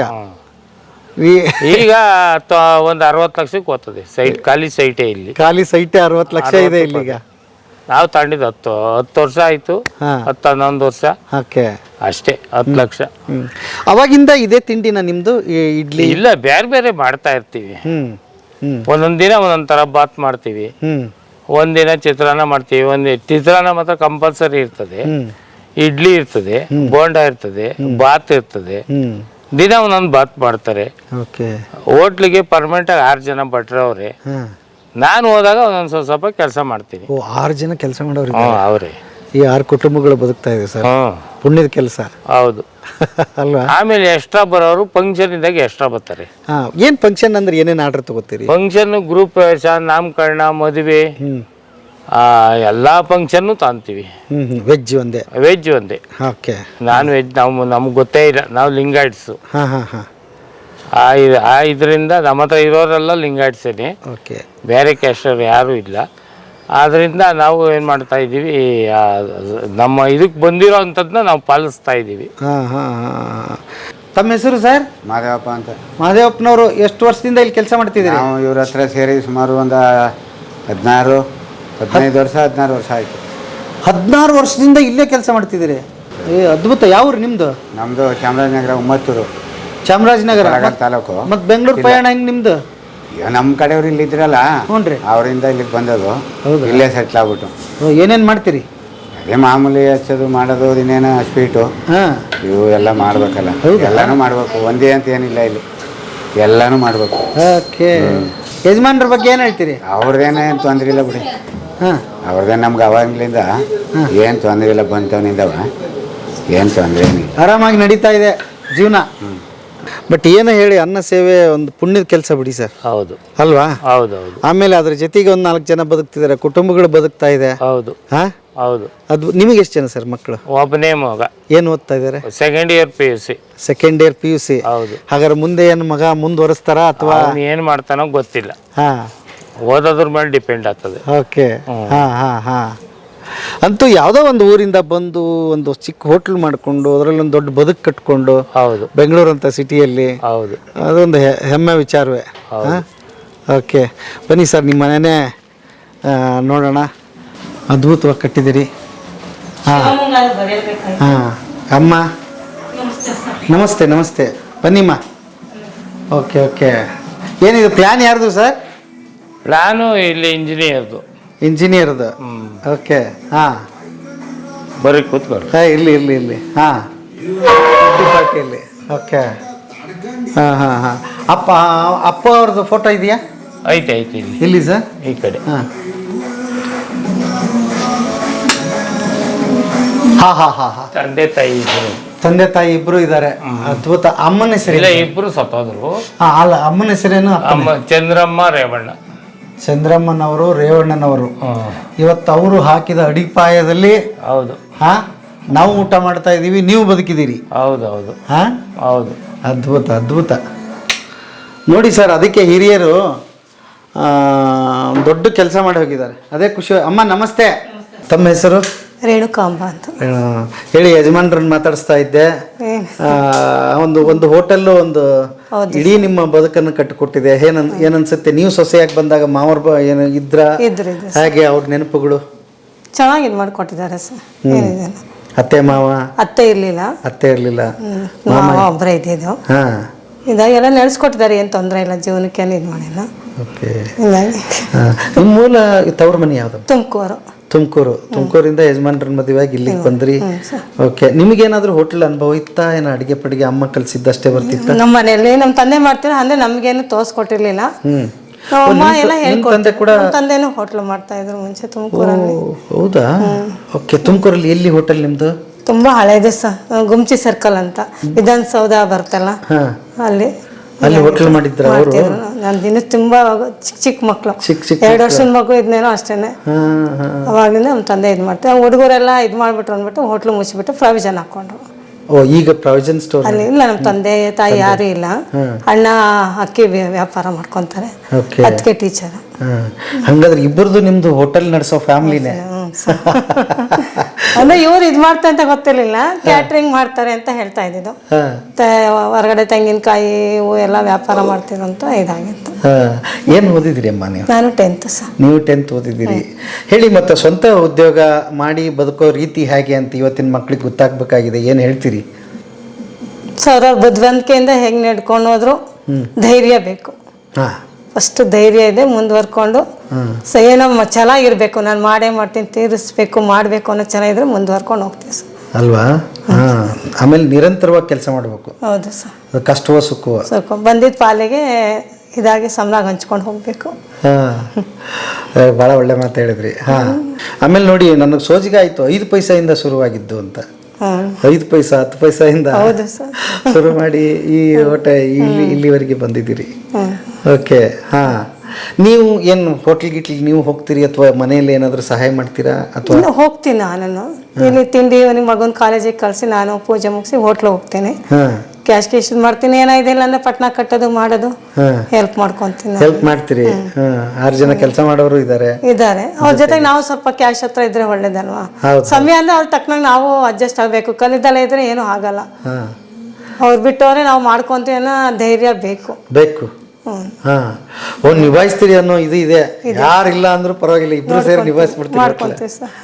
ಈಗ ಒಂದು ಅರವತ್ತು ಲಕ್ಷಕ್ಕೆ ಹೋಗ್ತದೆ ಸೈಟ್, ಖಾಲಿ ಸೈಟೇ ಇಲ್ಲಿ.
ಖಾಲಿ ಸೈಟೇ ಅರವತ್ತು ಲಕ್ಷ ಇದೆ ಇಲ್ಲಿಗ.
ನಾವು ತಗೊಂಡಿದ್ದು ಹತ್ತು ಹತ್ತು ವರ್ಷ ಆಯಿತು, ಹತ್ತು ಹನ್ನೊಂದು ವರ್ಷ.
ಓಕೆ,
ಅಷ್ಟೇ, ಹತ್ತು ಲಕ್ಷ.
ಹ್ಮ್ ಅವಾಗಿಂದ ಇದೇ ತಿಂಡಿನ ನಿಮ್ದು? ಇಡ್ಲಿ?
ಇಲ್ಲ, ಬೇರೆ ಬೇರೆ ಮಾಡ್ತಾ ಇರ್ತೀವಿ.
ಹ್ಮ್ ಹ್ಮ್
ಒಂದೊಂದು ದಿನ ಒಂದೊಂದು ಥರ ಬಾತ್ ಮಾಡ್ತೀವಿ.
ಹ್ಮ್
ಒಂದಿನ ಚಿತ್ರಾನ್ನ ಮಾಡ್ತೀವಿ. ಒಂದು ಚಿತ್ರಾನ್ನ ಮಾತ್ರ ಕಂಪಲ್ಸರಿ ಇರ್ತದೆ.
ಹ್ಮ್
ಇಡ್ಲಿ ಇರ್ತದೆ, ಬೋಂಡ ಇರ್ತದೆ, ಬಾತ್ ಇರ್ತದೆ.
ಹ್ಮ್
ದಿನ ಒಂದೊಂದು ಬಾತ್ ಮಾಡ್ತಾರೆ.
ಓಕೆ.
ಹೋಟ್ಲಿಗೆ ಪರ್ಮನೆಂಟಾಗಿ ಆರು ಜನ ಭಟ್ರವ್ರೆ.
ಹಾಂ,
ನಾನು ಹೋದಾಗ ಒಂದೊಂದು ಸ್ವಲ್ಪ ಸ್ವಲ್ಪ ಕೆಲಸ ಮಾಡ್ತೀನಿ.
ಓ, ಆರು ಜನ ಕೆಲಸ ಮಾಡೋರು?
ಹ್ಞೂ, ಅವರೇ.
ಈ ಆರು ಕುಟುಂಬಗಳು ಬದುಕ್ತಾ ಇದೆ ಸರ್.
ಹ್ಞೂ,
ಪುಣ್ಯದ ಕೆಲಸ.
ಹೌದು
ಅಲ್ವಾ?
ಆಮೇಲೆ ಎಕ್ಸ್ಟ್ರಾ ಬರೋರು ಫಂಕ್ಷನ್ ಇದ್ದಾಗ ಎಕ್ಸ್ಟ್ರಾ ಬರ್ತಾರೆ.
ಹಾಂ, ಏನು ಫಂಕ್ಷನ್ ಅಂದ್ರೆ ಏನೇನು ಆರ್ಡರ್ ತಗೋತೀರಿ?
ಫಂಕ್ಷನ್, ಗ್ರೂಪ್ ಪ್ರವೇಶ, ನಾಮಕರಣ, ಮದುವೆ,
ಹ್ಞೂ
ಎಲ್ಲ ಫಂಕ್ಷನ್ನು ತಾಂತೀವಿ.
ಹ್ಞೂ ಹ್ಞೂ ವೆಜ್ ಒಂದೇ?
ವೆಜ್ ಒಂದೇ.
ಓಕೆ.
ನಾನ್ ವೆಜ್ ನಾವು ನಮ್ಗೆ ಗೊತ್ತೇ ಇಲ್ಲ, ನಾವು ಲಿಂಗಾಯಿಟ್ಸು.
ಹಾಂ ಹಾಂ ಹಾಂ
ಆ ಆ ಇದರಿಂದ ನಮ್ಮ ಹತ್ರ ಇರೋರೆಲ್ಲ ಲಿಂಗಾಯಿಟ್ಸೇನೆ.
ಓಕೆ.
ಬೇರೆ ಕ್ಯಾಸ್ಟರ್ ಯಾರೂ ಇಲ್ಲ. ಆದ್ದರಿಂದ ನಾವು ಏನು ಮಾಡ್ತಾ ಇದ್ದೀವಿ, ನಮ್ಮ ಇದಕ್ಕೆ ಬಂದಿರೋ ಅಂಥದ್ದನ್ನ ನಾವು ಪಾಲಿಸ್ತಾ ಇದ್ದೀವಿ.
ಹಾಂ ಹಾಂ ಹಾಂ ತಮ್ಮ ಹೆಸರು ಸರ್?
ಮಾದೇವಪ್ಪ ಅಂತ.
ಮಾದೇವಪ್ಪನವರು ಎಷ್ಟು ವರ್ಷದಿಂದ ಇಲ್ಲಿ ಕೆಲಸ ಮಾಡ್ತಿದ್ದೀರಿ?
ನಾವು ಇವ್ರ ಹತ್ರ ಸೇರಿ ಸುಮಾರು ಒಂದು ಹದಿನಾರು ಹದಿನೈದು ವರ್ಷ ಹದಿನಾರು ವರ್ಷ ಆಯಿತು.
ಹದಿನಾರು ವರ್ಷದಿಂದ ಇಲ್ಲೇ ಕೆಲಸ ಮಾಡ್ತಿದ್ದೀರಿ? ಏ ಅದ್ಭುತ. ಯಾವ್ರು ನಿಮ್ಮದು?
ನಮ್ಮದು ಚಾಮರಾಜನಗರ ಉಮ್ಮತ್ತೂರು,
ಚಾಮರಾಜನಗರ
ತಾಲೂಕು.
ಮತ್ತು ಬೆಂಗಳೂರು ಪಯಣ ಹೆಂಗೆ ನಿಮ್ಮದು?
ಈಗ ನಮ್ಮ ಕಡೆಯವ್ರು ಇಲ್ಲಿ ಇದ್ರಲ್ಲ,
ಹ್ಞೂ ರೀ,
ಅವರಿಂದ ಇಲ್ಲಿಗೆ ಬಂದದು.
ಹೌದಾ?
ಇಲ್ಲೇ ಸೆಟ್ಲ್ ಆಗ್ಬಿಟ್ಟು.
ಏನೇನು ಮಾಡ್ತೀರಿ?
ಅದೇ ಮಾಮೂಲಿ ಹಚ್ಚೋದು ಮಾಡೋದು, ಇನ್ನೇನು ಸ್ವೀಟು,
ಹಾಂ,
ಇವು ಎಲ್ಲ ಮಾಡ್ಬೇಕಲ್ಲ. ಎಲ್ಲನೂ ಮಾಡ್ಬೇಕು, ಒಂದೇ ಅಂತ ಏನಿಲ್ಲ ಇಲ್ಲಿ, ಎಲ್ಲನೂ ಮಾಡ್ಬೇಕು.
ಓಕೆ. ಯಜಮಾನ್ರ ಬಗ್ಗೆ ಏನು ಹೇಳ್ತೀರಿ?
ಅವ್ರದ್ದೇನೇನು ತೊಂದರೆ ಇಲ್ಲ ಬಿಡಿ.
ಹಾಂ,
ಅವ್ರದ್ದೇ ನಮ್ಗೆ ಅವಾಗಲಿಂದ ಏನು ತೊಂದರೆ ಇಲ್ಲ, ಬಂತವನಿಂದವ ಏನು ತೊಂದರೆ ಏನಿಲ್ಲ,
ಆರಾಮಾಗಿ ನಡೀತಾ ಇದೆ ಜೀವನ. ಬಟ್ ಏನು ಹೇಳಿ, ಅನ್ನ ಸೇವೆ ಒಂದು ಪುಣ್ಯದ ಕೆಲಸ ಬಿಡಿ ಸರ್.
ಹೌದು
ಅಲ್ವಾ?
ಹೌದು ಹೌದು.
ಆಮೇಲೆ ಅದ್ರ ಜೊತೆಗೆ ಒಂದು ನಾಲ್ಕು ಜನ ಬದುಕ್ತಿದ್ದಾರೆ, ಕುಟುಂಬಗಳು ಬದುಕ್ತಾ ಇದೆ.
ಹೌದು
ಹಾಂ,
ಹೌದು.
ಅದು ನಿಮಗೆ ಎಷ್ಟು ಜನ ಸರ್ ಮಕ್ಕಳು?
ಒಬ್ಬನೇ ಮಗ.
ಏನು ಓದ್ತಾ ಇದ್ದಾರೆ?
Second year P U C.
Second year P U C.
ಹೌದು.
ಹಾಗಾದ್ರೆ ಮುಂದೆ ಏನು ಮಗ ಮುಂದುವರಿಸ್ತಾರ ಅಥವಾ
ಏನು ಮಾಡ್ತಾನೋ ಗೊತ್ತಿಲ್ಲ.
ಹಾಂ,
ಓದೋದ್ರ ಮೇಲೆ ಡಿಪೆಂಡ್ ಆಗ್ತದೆ.
ಓಕೆ. ಹಾಂ ಹಾಂ ಹಾಂ ಅಂತೂ ಯಾವುದೋ ಒಂದು ಊರಿಂದ ಬಂದು ಒಂದು ಚಿಕ್ಕ ಹೋಟ್ಲ್ ಮಾಡಿಕೊಂಡು ಅದರಲ್ಲಿ ಒಂದು ದೊಡ್ಡ ಬದುಕು ಕಟ್ಕೊಂಡು,
ಹೌದು,
ಬೆಂಗಳೂರು ಅಂತ ಸಿಟಿಯಲ್ಲಿ,
ಹೌದು,
ಅದೊಂದು ಹೆ- ಹೆಮ್ಮೆ ವಿಚಾರವೇ. ಹಾಂ, ಓಕೆ. ಬನ್ನಿ ಸರ್, ನಿಮ್ಮ ಮನೆಯೇ ನೋಡೋಣ. ಅದ್ಭುತವಾಗಿ ಕಟ್ಟಿದ್ದೀರಿ. ಹಾಂ ಹಾಂ ಅಮ್ಮ ನಮಸ್ತೆ. ನಮಸ್ತೆ, ಬನ್ನಿಮ್ಮ. Okay okay. ಏನಿದು ಪ್ಲ್ಯಾನ್ ಯಾರ್ದು ಸರ್?
ನಾನು ಇಲ್ಲಿ ಇಂಜಿನಿಯರ್ದು.
ಇಂಜಿನಿಯರ್ದು? ಓಕೆ. ಹಾಂ,
ಬರೀ ಕೂತ್ಕೊಳ್ಳಿ.
ಹಾಂ, ಇರಲಿ ಇರಲಿ ಇರಲಿ. ಹಾಂ, ಪಾರ್ಟಿಯಲ್ಲಿ. ಓಕೆ. ಹಾಂ ಹಾಂ ಹಾಂ ಅಪ್ಪ ಅಪ್ಪ ಅವ್ರದ್ದು ಫೋಟೋ ಇದೆಯಾ?
ಐತೆ ಐತೆ ಇಲ್ಲಿ.
ಇಲ್ಲಿ ಸರ್
ಈ ಕಡೆ.
ಹಾಂ ಹಾಂ ಹಾಂ ಹಾಂ ಹಾಂ
ತಂದೆ ತಾಯಿ ಇದ್ರು.
ತಂದೆ ತಾಯಿ ಇಬ್ರು ಇದ್ದಾರೆ. ಅದ್ಭುತ. ಅಮ್ಮನ ಹೆಸರು?
ಇಲ್ಲ, ಇಬ್ರು ಸತ್ತೋದ್ರು.
ಹಾಂ, ಅಲ್ಲ, ಅಮ್ಮನ ಹೆಸರೇನು?
ಅಮ್ಮ ಚಂದ್ರಮ್ಮ ರೇವಣ್ಣ.
ಚಂದ್ರಮ್ಮನವರು, ರೇವಣ್ಣನವರು. ಇವತ್ತು ಅವರು ಹಾಕಿದ ಅಡಿಪಾಯದಲ್ಲಿ
ಹೌದು.
ಹಾಂ, ನಾವು ಊಟ ಮಾಡ್ತಾ ಇದ್ದೀವಿ, ನೀವು ಬದುಕಿದ್ದೀರಿ.
ಹೌದು ಹೌದು.
ಹಾಂ,
ಹೌದು.
ಅದ್ಭುತ ಅದ್ಭುತ. ನೋಡಿ ಸರ್, ಅದಕ್ಕೆ ಹಿರಿಯರು ದೊಡ್ಡ ಕೆಲಸ ಮಾಡಿ ಹೋಗಿದ್ದಾರೆ. ಅದೇ ಖುಷಿ. ಅಮ್ಮ ನಮಸ್ತೆ. ತಮ್ಮ ಹೆಸರು?
ರೇಣುಕಾಂಬ ಅಂತ.
ಆ, ಹೇಳಿ, ಯಜಮಾನ್ರನ್ನ ಮಾತಾಡಿಸ್ತಾ ಇದ್ದೆ.
ಏನು?
ಆ, ಒಂದು ಒಂದು ಹೋಟೆಲ್ಲು ಒಂದು
ಹೌದು
ಇಡೀ ನಿಮ್ಮ ಬದುಕನ್ನು ಕಟ್ಟಿಕೊಟ್ಟಿದೆ. ಏನನ್ ಏನನ್ಸುತ್ತೆ? ನೀವು ಸೊಸೆಯಾಗಿ ಬಂದಾಗ ಮಾವರ್ ಬ ಏನು ಇದ್ರ
ಇದ್ರು ಇದ್ರು
ಹಾಗೆ ಅವ್ರ ನೆನಪುಗಳು
ಚೆನ್ನಾಗಿ ಇದು ಮಾಡಿಕೊಟ್ಟಿದ್ದಾರೆ ಸರ್. ಏನಿದೆ
ಅತ್ತೆ ಮಾವ
ಅತ್ತೆ ಇರಲಿಲ್ಲ,
ಅತ್ತೆ ಇರಲಿಲ್ಲ,
ಮಾವ ಒಬ್ಬರೇ ಇದ್ದಿದ್ದು.
ಹಾಂ,
ಇದಾಗೆಲ್ಲ ನಡೆಸ್ಕೊಟ್ಟಿದ್ದಾರೆ, ಏನು ತೊಂದರೆ ಇಲ್ಲ, ಜೀವನಕ್ಕೆ ಏನು ಇದು ಮಾಡಿಲ್ಲ.
ಓಕೆ.
ಹೀಗಾಗಿ
ನಿಮ್ಮ ಮೂಲ ತವ್ರ ಮನೆ ಯಾವುದು?
ತುಮಕೂರು.
ತುಮಕೂರು. ತುಮಕೂರಿಂದ ಯಜಮಾನ್ರನ್ನ ಮದುವೆಯಾಗಿ ಇಲ್ಲಿಗೆ ಬಂದ್ರಿ. ಓಕೆ. ನಿಮಗೇನಾದ್ರೂ ಹೋಟೆಲ್ ಅನುಭವ ಇತ್ತಾ? ಏನೋ ಅಡಿಗೆ ಪಡಿಗೆ ಅಮ್ಮ ಕಲಿಸಿದ್ದಷ್ಟೇ ಬರ್ತಿತ್ತ?
ನಮ್ಮ ಮನೆಯಲ್ಲಿ ನಮ್ಮ ತಂದೆ ಮಾಡ್ತೀರ ಅಂದ್ರೆ ನಮ್ಗೇನು ತೋರಿಸ್ಕೊಟ್ಟಿರ್ಲಿಲ್ಲ.
ಹ್ಮ್.
ನಮ್ಮ ಅಮ್ಮ ಎಲ್ಲ
ತಂದೆ
ಹೇಳ್ಕೊಡ್ತಾರೆ.
ಕೂಡ
ನಮ್ಮ ತಂದೆನೂ ಹೋಟ್ಲು ಮಾಡ್ತಾ ಇದ್ರು ಮುಂಚೆ ತುಮಕೂರಲ್ಲಿ.
ಓ, ಹೌದಾ? ಓಕೆ. ತುಮಕೂರಲ್ಲಿ ಎಲ್ಲಿ ಹೋಟೆಲ್ ನಿಮ್ದು?
ತುಂಬಾ ಹಳೇದು ಸರ್, ಗುಮ್ಚಿ ಸರ್ಕಲ್ ಅಂತ ವಿಧಾನಸೌಧ ಬರ್ತಲ್ಲ,
ಹಾ,
ಅಲ್ಲಿ
ಅಲ್ಲಿ ಹೋಟೆಲ್ ಮಾಡಿದ್ರ ಅವರು?
ನಾನು ದಿನ ತುಂಬಾ ಚಿಕ್ಕ ಚಿಕ್ಕ ಮಕ್ಕಳು,
ಚಿಕ್ಕ ಚಿಕ್ಕ
ಎರಡು ವರ್ಷದ ಮಗು ಇದ್ನೇನೋ ಅಷ್ಟೇನೆ.
ಹಾ, ಹಾ.
ಅವಾಗಲಿಂದ ನಮ್ಮ ತಂದೆ ಇದು ಮಾಡ್ತಾರೆ. ಹುಡುಗರೆಲ್ಲ ಇದು ಮಾಡ್ಬಿಟ್ರು ಅಂದ್ಬಿಟ್ಟು ಹೋಟ್ಲು ಮುಚ್ಚಿಬಿಟ್ಟು ಪ್ರಾವಿಷನ್ ಹಾಕೊಂಡ್ರು.
ಓ, ಈಗ ಪ್ರಾವಿಷನ್ ಸ್ಟೋರ್
ಅಲ್ಲಿ ಇಲ್ಲ, ನಮ್ಮ ತಂದೆ ತಾಯಿ ಯಾರು ಇಲ್ಲ. ಅಣ್ಣ ಅಕ್ಕಿ ವ್ಯ- ವ್ಯಾಪಾರ ಮಾಡ್ಕೊಂತಾರೆ,
ಓಕೆ.
ಅದಕ್ಕೆ ಟೀಚರ್.
ಹಂಗಾದ್ರೆ ಇಬ್ಬರದು ನಿಮ್ದು ಹೋಟೆಲ್ ನಡೆಸೋ ಫ್ಯಾಮಿಲಿನೇ?
ಅಂದ್ರೆ ಇವ್ರು ಇದು ಮಾಡ್ತಾ ಅಂತ ಗೊತ್ತಿರ್ಲಿಲ್ಲ, ಕ್ಯಾಟ್ರಿಂಗ್ ಮಾಡ್ತಾರೆ ಅಂತ ಹೇಳ್ತಾ ಇದ್ದಿದ್ದು.
ಹಾ,
ತ- ಹೊರಗಡೆ ತೆಂಗಿನಕಾಯಿ ಇವು ಎಲ್ಲ ವ್ಯಾಪಾರ ಮಾಡ್ತಿದ್ರು ಅಂತ ಇದಾಗಿತ್ತು.
ಹಾ. ಏನು ಓದಿದಿರಿ ಅಮ್ಮ ನೀವು?
ನಾನು ಟೆಂತ್ ಸರ್.
ನೀವು ಟೆಂತ್ ಓದಿದ್ದೀರಿ. ಹೇಳಿ, ಮತ್ತೆ ಸ್ವಂತ ಉದ್ಯೋಗ ಮಾಡಿ ಬದುಕೋ ರೀತಿ ಹೇಗೆ ಅಂತ ಇವತ್ತಿನ ಮಕ್ಳಿಗೆ ಗೊತ್ತಾಗ್ಬೇಕಾಗಿದೆ. ಏನು ಹೇಳ್ತೀರಿ?
ಸರ್, ಅವ್ರ ಬುದ್ಧಿವಂತಿಕೆಯಿಂದ ಹೆಂಗೆ ನಡ್ಕೊಂಡು ಹೋದ್ರು ಧೈರ್ಯ ಬೇಕು.
ಹಾಂ,
ಫಸ್ಟ್ ಧೈರ್ಯ ಇದೆ, ಮುಂದುವರ್ಕೊಂಡು ಸೊ ಏನೋ ಮ- ಚೆನ್ನಾಗಿರ್ಬೇಕು, ನಾನು ಮಾಡೇ ಮಾಡ್ತೀನಿ, ತೀರಿಸ್ಬೇಕು, ಮಾಡಬೇಕು ಅನ್ನೋ ಚೆನ್ನಾಗಿದ್ರೆ ಮುಂದುವರ್ಕೊಂಡು ಹೋಗ್ತೀವಿ ಸರ್.
ಅಲ್ವಾ? ಹಾಂ. ಆಮೇಲೆ ನಿರಂತರವಾಗಿ ಕೆಲಸ ಮಾಡಬೇಕು.
ಹೌದು ಸರ್.
ಅದು ಕಷ್ಟವೋ ಸುಖವೋ
ಸ್ವಲ್ಪ ಬಂದಿದ್ದ ಪಾಲಿಗೆ ಇದಾಗಿ ಸಮನಾಗಿ ಹಂಚ್ಕೊಂಡು ಹೋಗಬೇಕು.
ಹಾಂ, ಭಾಳ ಒಳ್ಳೆ ಮಾತು ಹೇಳಿದ್ರಿ. ಹಾಂ. ಆಮೇಲೆ ನೋಡಿ, ನನಗೆ ಸೋಜಿಗೆ ಆಯಿತು, ಐದು ಪೈಸೆಯಿಂದ ಶುರುವಾಗಿದ್ದು ಅಂತ.
ಹಾಂ,
ಐದು ಪೈಸಾ ಹತ್ತು ಪೈಸೆಯಿಂದ
ಹೌದು ಸರ್.
ಶುರು ಮಾಡಿ ಈ ಹೋಟೆ ಇಲ್ಲಿ ಇಲ್ಲಿವರೆಗೆ ಬಂದಿದ್ದೀರಿ. ಓಕೆ. ಹಾಂ. ನೀವು ಏನು ಹೋಟ್ಲ್ ಗಿಟ್ಲ್ ನೀವು ಹೋಗ್ತೀರಿ ಅಥವಾ ಮನೆಯಲ್ಲಿ ಏನಾದರೂ ಸಹಾಯ ಮಾಡ್ತೀರಾ ಅಥವಾ?
ಇನ್ನು ಹೋಗ್ತೀನಿ ನಾನು, ಇಲ್ಲಿ ತಿಂಡಿ ನಿಮ್ಮ ಮಗನ ಕಾಲೇಜಿಗೆ ಕಳಿಸಿ ನಾನು ಪೂಜೆ ಮುಗಿಸಿ ಹೋಟ್ಲು ಹೋಗ್ತೀನಿ.
ಹಾಂ.
ಕ್ಯಾಶ್ ಕ್ಯಾಶ್ ಮಾಡ್ತೀನಿ, ಏನಾಯ್ದಿಲ್ಲ ಅಂದ್ರೆ ಪಟ್ನ ಕಟ್ಟೋದು ಮಾಡೋದು
ಹಾಂ.
ಹೆಲ್ಪ್ ಮಾಡ್ಕೊತೀನಿ.
ಹೆಲ್ಪ್ ಮಾಡ್ತೀರಿ? ಹಾಂ. ಆರು ಜನ ಕೆಲಸ ಮಾಡೋರು ಇದ್ದಾರೆ.
ಇದ್ದಾರೆ, ಅವ್ರ ಜೊತೆಗೆ ನಾವು ಸ್ವಲ್ಪ ಕ್ಯಾಶ್ ಹತ್ರ ಇದ್ರೆ ಒಳ್ಳೇದಲ್ವಾ?
ಹೌದು.
ಸಮಯ ಅಂದ್ರೆ ಅವ್ರ ತಕ್ಕನಾಗ ನಾವು ಅಡ್ಜಸ್ಟ್ ಆಗಬೇಕು. ಕಲಿದಲ್ಲ ಇದ್ರೆ ಏನೂ ಆಗಲ್ಲ.
ಹಾಂ.
ಅವ್ರು ಬಿಟ್ಟವ್ರೆ ನಾವು ಮಾಡ್ಕೊಂತೀವಿ ಅನ್ನೋ ಧೈರ್ಯ ಬೇಕು.
ಬೇಕು. ಹಾಂ. ಓ, ನಿಭಾಯಿಸ್ತೀರಿ ಅನ್ನೋ ಇದು ಇದೆ. ಯಾರಿಲ್ಲ ಅಂದ್ರೂ ಪರವಾಗಿಲ್ಲ, ಇಬ್ರು ಸೇರಿ ನಿಭಾಯಿಸ್ಬಿಡ್ತೀವಿ.
ಮಾಡ್ಕೊಂತೀವಿ ಸರ್.